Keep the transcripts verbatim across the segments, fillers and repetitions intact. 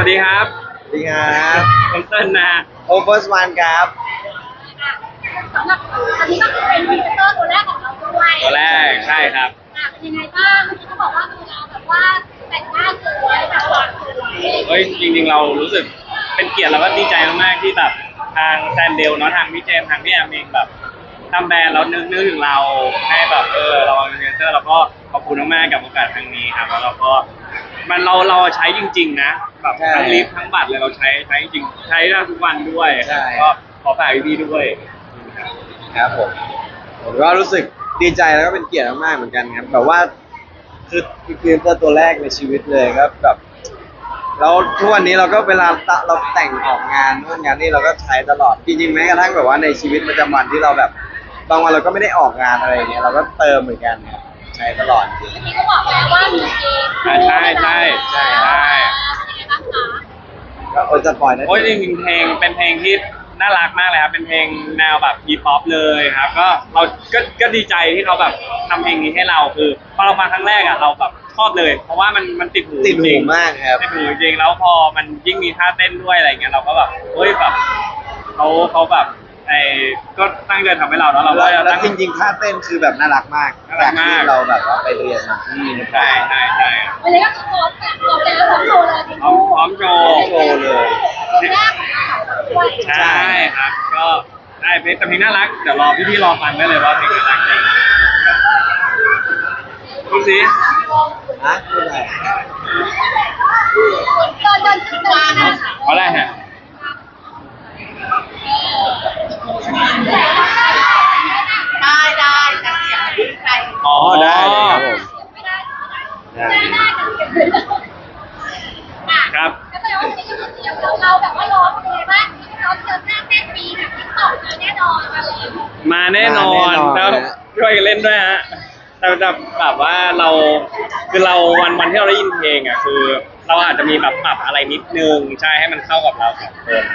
วัสดีครับสวัสดีครับผมเติ้ลนะโอเวอร์สวานครับสำหรับอันนี้ก็คือเป็นพรีเซนเตอร์ตัวแรกของเราด้วยตัวแรกใช่ครับเป็นยังไงบ้างเมื่อกี้เขาบอกว่าดูเราแบบว่าแต่งหน้าสวยแบบหวานสวยเฮ้ยจริงๆเรารู้สึกเป็นเกียรติแล้วก็ดีใจมากๆที่แบบทางแซนเดลเนาะทางพี่เจมทางพี่แอมเองแบบทำแบรนด์เรานึกนึกถึงเราให้แบบเออเราเป็นพรีเซนเตอร์เราก็ขอบคุณมากๆกับโอกาสครั้งนี้ครับแล้วเราก็มันเราเราใช้จริงๆนะแบบทั้งลิฟต์ทั้งบัตรเลยเราใช้ใช้จริงใช้ได้ทุกวันด้วยก็ขอฝากพี่ๆด้วยครับผมผมก็รู้สึกดีใจแล้วก็เป็นเกียรติมากๆเหมือนกันครับแบบว่าคือคือพรีเซนเตอร์ตัวแรกในชีวิตเลยครับแบบแล้วทุกวันนี้เราก็เวลาเราแต่งออกงานนู่นงานนี่เราก็ใช้ตลอดจริงๆแม้กระทั่งแบบว่าในชีวิตประจำวันที่เราแบบบางวันเราก็ไม่ได้ออกงานอะไรอย่างเงี้ยเราก็เติมเหมือนกันครับใช้ตลอดจริงเมื่อกี้ก็บอกแล้วว่ามีเกมใช่ใช่ใช่ใช่ใช่เป็นยังไงบ้างคะก็โอ้จะปล่อยนะโอ้ยจริงๆเพลงเป็นเพลงที่น่ารักมากเลยครับเป็นเพลงแนวแบบฮีป๊อปเลยครับก็เราก็ก็ดีใจที่เขาแบบทำเพลงนี้ให้เราคือพอเราฟังครั้งแรกอ่ะเราแบบชอบเลยเพราะว่ามันมันติดหูติดหูมากครับติดหูจริงแล้วพอมันยิ่งมีท่าเต้นด้วยอะไรเงี้ยเราก็แบบเฮ้ยแบบเขาเขาแบบไอ้ก็ตั้งใจทำให้เราแล้วเราก็แล้วจริงๆท่าเต้นคือแบบน่ารักมากน่ารักมากเราแบบว่าไปเรียนมาใช่ใช่ใช่วันนี้ก็คือพร้อมแบบพร้อมแล้วพร้อมโชว์เลยพร้อมพร้อมโชว์โชว์เลยใช่ครับก็ได้เพลงแต่เพลงน่ารักเดี๋ยวรอพี่ๆรอฟังได้เลยว่าเพลงน่ารักจริงดูสิฮะพูดอะไรตอนตอนคิดว่านะเอาได้ฮะได้ได้แต่เสียงไม่ได้ใครอ๋อได้เลยครับผมไม่ได้ไม่ได้ได้ครับก็แปลว่าวันนี้ก็คือเตรียมเราแบบว่าร้องเป็นไงบ้างเราเจอหน้าเต้นปีแบบที่ตอบมาแน่นอนอะไรมาแน่นอนแล้วช่วยกันเล่นด้วยฮะแต่แบบว่าเราคือเราวันวันที่เราได้ยินเพลงอ่ะคือเราอาจจะมีแบบปรับอะไรนิดนึงใช่ให้มันเข้ากับเราสองคน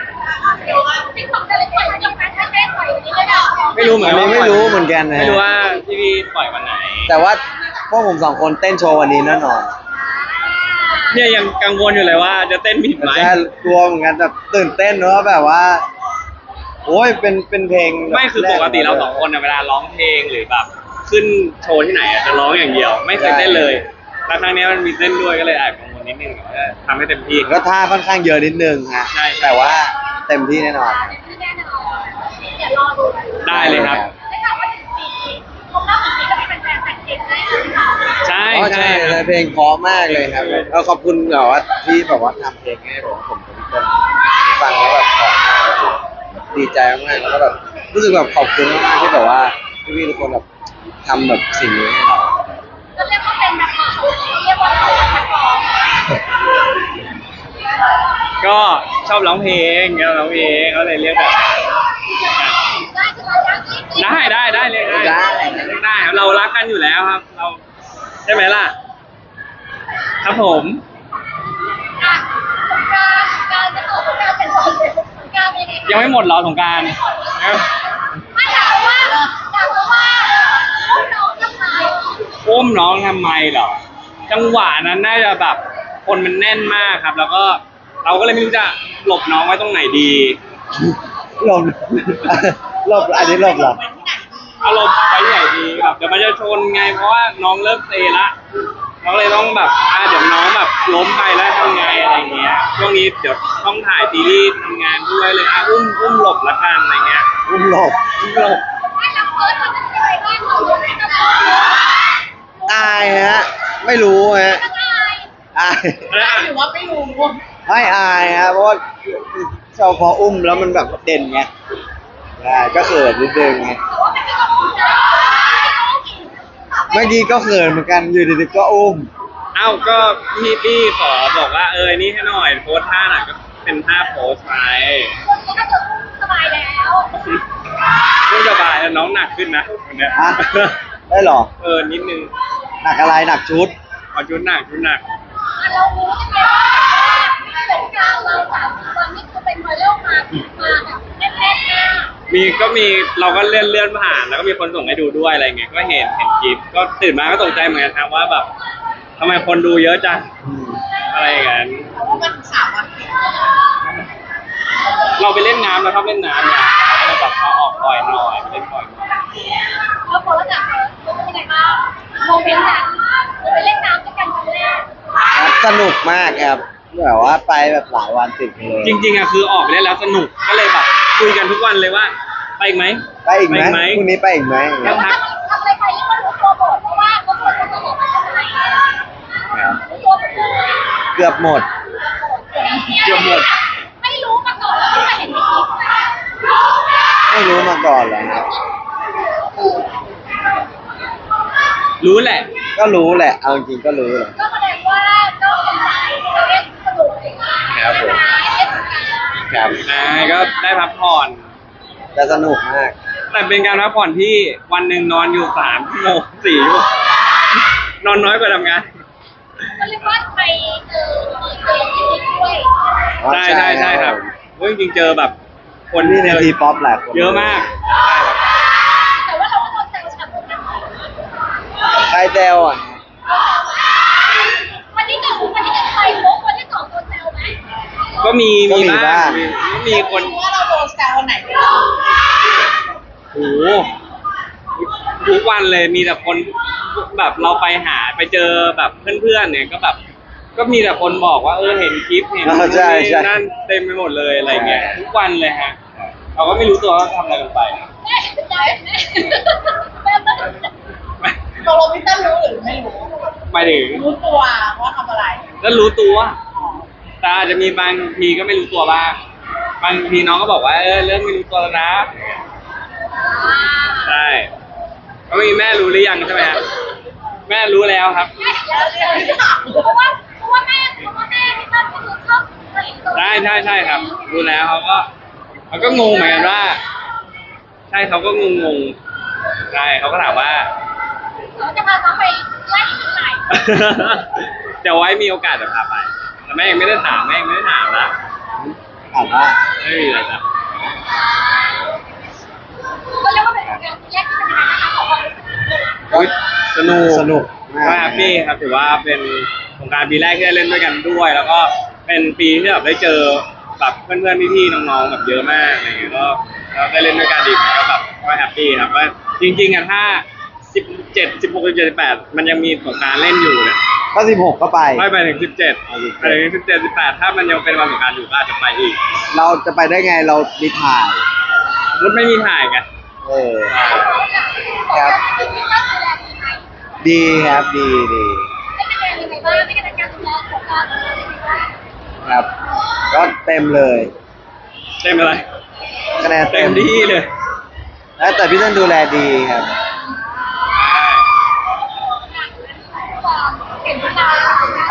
ไม่รู้เหมือนไม่รู้เหมือนกันนะไม่รู้ว่าพี่พี่ปล่อยวันไหนแต่ว่าพวกผมสองคนเต้นโชว์วันนี้แน่นอนเนี่ยยังกังวลอยู่เลยว่าจะเต้นผิดไหมใช่กลัวเหมือนกันแบบตื่นเต้นเนอะแบบว่าโอ้ยเป็นเป็นเพลงไม่คือปกติเราสองคนเวลาร้องเพลงหรือแบบขึ้นโชว์ที่ไหนจะร้องอย่างเดียวไม่เคยเต้นเลยแล้วครั้งนี้มันมีเต้นด้วยก็เลยแอบกังวลนิดนึงแต่ทำให้เต็มที่ก็ท่าค่อนข้างเยอะนิดนึงฮะใช่แต่ว่าเต็มที่แน่นอนได้เลยครับใช่ใช่เพลงเพราะมากเลยครับเราขอบคุณแบบว่าที่แบบว่าทำเพลงให้ผมผมทุกคนฟังแล้วแบบเพราะมากดีใจมากแล้วก็แบบรู้สึกแบบขอบคุณมากที่แบบว่าพี่ๆทุกคนแบบทำแบบสิ่งนี้ให้เราก็เรียกว่าเป็นแบบเรียกว่าเป็นนักร้องก็ชอบร้องเพลงชอบร้องเพลงเขาเลยเรียกแบบได้ได้ได้เลยได้ได้ได้ครับเรารักกันอยู่แล้วครับเราใช่ไหมล่ะครับผมยังไม่หมดหรอสงกรานต์ไม่ถามว่าถามว่าอุ้มน้องทำไมอุ้มน้องทำไมเหรอจังหวะนั้นน่าจะแบบคนมันแน่นมากครับแล้วก็เราก็เลยไม่รู้จะหลบน้องไว้ตรงไหนดีหลบหลบอันนี้หลบหรอเอาหลบไว้ใหญ่ดีแบบเดี๋ยวมันจะชนไงเพราะว่าน้องเริ่มเซละเราเลยต้องแบบอ่าเดี๋ยวน้องแบบล้มไปแล้วทำไงอะไรเงี้ยช่วงนี้เดี๋ยวต้องถ่ายซีรีส์ทำงานด้วยเลยอ่ะอุ้มอุ้มหลบละกันอะไรเงี้ยอุ้มหลบอุ้มหลบอายฮะไม่รู้ฮะอายหรือว่าไม่รู้ไม่อายฮะเพราะว่าเราพออุ้มแล้วมันแบบเด่นไงใช่ก็เขินนิดนึงไงเมื่อกี้ก็เขินเหมือนกันอยู่ดีๆก็อุ้มเอ้าก็พี่พี่ขอบอกว่าเออนี่ให้หน่อยโพสท่าหน่อยก็เป็นท่าโพสไปสบายแล้วไม่สบายแล้วน้องหนักขึ้นนะวันนี้ได้หรอเออนิดนึงหนักอะไรหนักชุดเอาชุดหนักชุดหนักเรารู้ใช่ไหมว่าสงกรานต์เราสามวันนี้คือเป็นไวรัลมามาแบบแน่นๆมากมีก็มีเราก็เลื่อนเลื่อนผ่านแล้วก็มีคนส่งให้ดูด้วยอะไรเงี้ยก็เห็นเห็นคลิปก็ตื่นมาก็ตกใจเหมือนกันครับว่าแบบทำไมคนดูเยอะจังอะไรอย่างเงี้ยเพราะว่ามันสามวันติดเราไปเล่นน้ำเราชอบเล่นน้ำเนี่ยเราก็เลยแบบเอาออกบ่อยหน่อยไปเล่นบ่อยหน่อยแล้วพอแล้วจากเฟิร์สเป็นยังไงบ้างโมเมนต์นั้นเราไปเล่นน้ำด้วยกันครั้งแรกครับสนุกมากครับแบบว่าไปแบบหลายวันติดกันเลยจริงๆอ่ะคือออกไปเล่นแล้วสนุกก็เลยแบบคุยกันทุกวันเลยว่าไปอีกไหมไปอีกไหมพรุ่งนี้ไปอีกไหมทำทำอะไรไปที่มันรู้ตัวหมดเพราะว่าเขาควรจะบอกว่าจะไหนครับรู้ตัวหมดเลยเกือบหมดเกือบหมดไม่รู้มาก่อนแล้วไม่เคยเห็นในคลิปไม่รู้มาก่อนเลยครับรู้แหละก็รู้แหละเอาจริงๆก็รู้แหละก็แสดงว่าก็เป็นใจเราเล่นสนุกครับผมเล่นกันครับนายก็ได้พักผ่อนแต่สนุกมากแต่เป็นการพักผ่อนที่วันหนึ่งนอนอยู่สามชั่วโมงสี่ชั่วโมงนอนน้อยกว่าทำงานก็เรียกว่าไปเจอเจอจริงๆด้วยใช่ใช่ใช่ครับเพราะจริงๆเจอแบบคนนี่ในเจอทีป๊อปหลายคนเยอะมากใช่ครับแต่ว่าเราก็โดนแซวฉ่ำเหมือนกันใครแซวอ่ะวันที่หนึ่งวันที่หนึ่งใครโป๊กวันที่สองโดนแซวไหมก็มีมีบ้างมีมีคนว่าเราโดนแซววันไหนบ้างโอ้โหทุกวันเลยมีแต่คนแบบเราไปหาไปเจอแบบเพื่อนๆเนี่ยก็แบบ ก็มีแต่คนบอกว่าเออเห็นคลิปเห็นอ๋อใช่ใช่นั่นเต็มไปหมดเลยอะไรเงี้ยทุกวันเลยฮะเราก็ไม่รู้ตัวว่าทำอะไรกันไปแม่เห็นใจแม่แม่ต้องตกลงพี่ตั้มรู้หรือไม่รู้หมายถึงรู้ตัวว่าทำอะไรแล้วรู้ตัวแต่อาจจะมีบางทีก็ไม่รู้ตัวบ้างบางทีน้องก็บอกว่าเออเริ่มไม่รู้ตัวแล้วนะใช่ก็มีแม่รู้หรือยังใช่ไหมฮะแม่รู้แล้วครับแม่เห็นแล้วเลยเพราะว่าเพราะว่าแม่เพราะว่าแม่พี่ตั้มก็คือชอบเห็นตัวใช่ใช่ใช่ครับ รู้แล้วเขาก็เขาก็งงเหมือนกันว่า ใช่เขาก็งงงๆใช่เขาก็ถามว่าเราจะพาน้องไปไล่ที่ไหนเดี๋ยวไว้มีโอกาสจะพาไป แต่แม่ยังไม่ได้ถามแม่ยังไม่ได้ถามนะถามว่าไม่มีอะไรจ้ะก็เรียกว่าเป็นการแยกที่เป็นยังไงนะคะของความรู้สึกอุ๊ยสนุกสนุกมากก็แฮปปี้ครับถือว่าเป็นสงกรานต์ปีแรกที่ได้เล่นด้วยกันด้วย แล้วก็เป็นปีที่แบบได้เจอแบบเพื่อนๆพี่ๆน้องๆแบบเยอะมากอะไรอย่างเงี้ยก็ก็ได้เล่นด้วยกันดีก็แบบก็แฮปปี้ครับว่าจริงๆอ่ะถ้าสิบเจ็ด สิบหก สิบเจ็ด สิบแปดมันยังมีสงกรานต์เล่นอยู่เนี่ยก็สิบหกก็ไปไม่ไปถึงสิบเจ็ดเอาสิบไปถึงสิบเจ็ด สิบแปดถ้ามันยังเป็นวันสงกรานต์อยู่ก็อาจจะไปอีกเราจะไปได้ไงเรามีถ่ายมุดไม่มีถ่ายไงเออ ครับ ดีครับดีดีไม่เป็นยังไงบ้างไม่เป็นการดูแลของการยังไงบ้างครับ ก็เต็มเลยเต็มอะไรคะแนนเต็มที่เลยแล้วแต่พี่ต้นดูแลดีครับความเห็นตา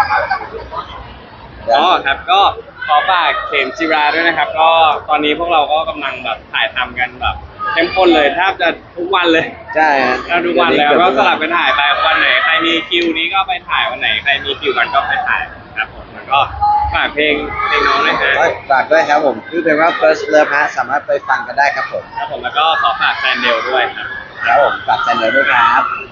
อ๋อครับก็ขอฝากเข็มจิราด้วยนะครับ ก็ตอนนี้พวกเราก็กำลังแบบถ่ายทำกันแบบเข้มข้นเลยแทบจะทุกวันเลยใช่ฮะแทบทุกวันแล้วก็สลับกันถ่ายไปวันไหนใครมีคิวนี้ก็ไปถ่ายวันไหนใครมีคิวกันก็ไปถ่ายครับผมแล้วก็ฝากเพลงเพลงน้องด้วยฮะก็ฝากด้วยครับผมชื่อเพลงว่า First Love ฮะสามารถไปฟังกันได้ครับผมครับผมแล้วก็ขอฝากแฟนเดลด้วยครับครับผมฝากแซนเดอร์ด้วยครับ